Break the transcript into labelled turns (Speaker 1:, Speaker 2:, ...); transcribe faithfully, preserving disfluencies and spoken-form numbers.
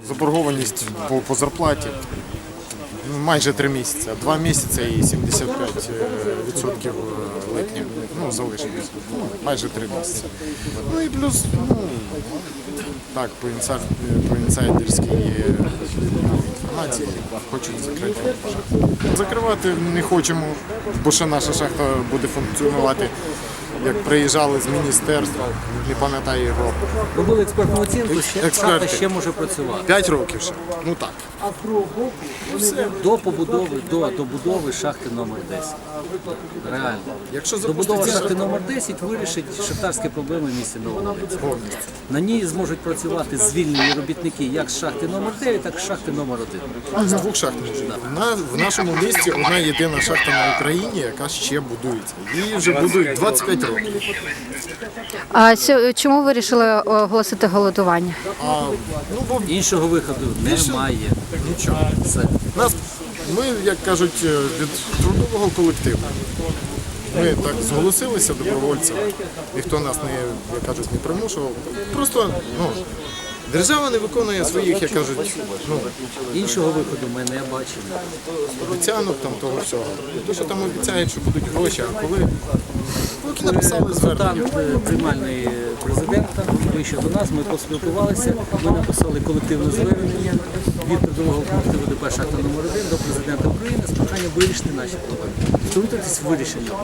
Speaker 1: заборгованість по, по зарплаті ну, майже три місяці, два місяці і сімдесят п'ять відсотків липня, ну, залишилось, ну, майже три місяці. Ну і плюс, ну, так, по, інсайд, по інсайдерській інформації хочуть закрити шахту. Закривати не хочемо, бо ще наша шахта буде функціонувати. Як приїжджали з міністерства, не пам'ятаю його.
Speaker 2: Робили експертну оцінку, ще,
Speaker 1: Експерти.
Speaker 2: шахта ще може працювати.
Speaker 1: П'ять років ще. Ну так.
Speaker 2: До побудови, до добудови шахти номер десять. Реально.
Speaker 1: Якщо
Speaker 2: Добудова
Speaker 1: запуститься
Speaker 2: шахти номер десять вирішить шахтарські проблеми в місті Новолинськ. На ній зможуть працювати звільнені робітники як з шахти номер дев'ять, так і з шахти номер один.
Speaker 1: з двох шахт. На, в нашому місті одна єдина шахта на Україні, яка ще будується. Її вже будують двадцять п'ять років.
Speaker 3: А сьо- чому ви вирішили оголосити голодування?
Speaker 1: А, ну, бо
Speaker 2: Іншого виходу немає.
Speaker 1: нічого.
Speaker 2: Все.
Speaker 1: Нас, ми, як кажуть, від трудового колективу. Ми так зголосилися добровольцями. Ніхто нас не, як кажуть, не примушував. Просто ну, держава не виконує своїх, як кажуть, ну,
Speaker 2: Іншого виходу ми не бачимо.
Speaker 1: обіцянок там того всього. То, що там обіцяють, що будуть гроші, а коли поки написали звернення.
Speaker 2: Консультант е, приймальний президента вийшов до нас, ми поспілкувалися, ми написали колективне звернення від трудового колективу ДП «Шахта номер один» до президента України з проханням вирішити наші проблеми. Втрутитись в вирішення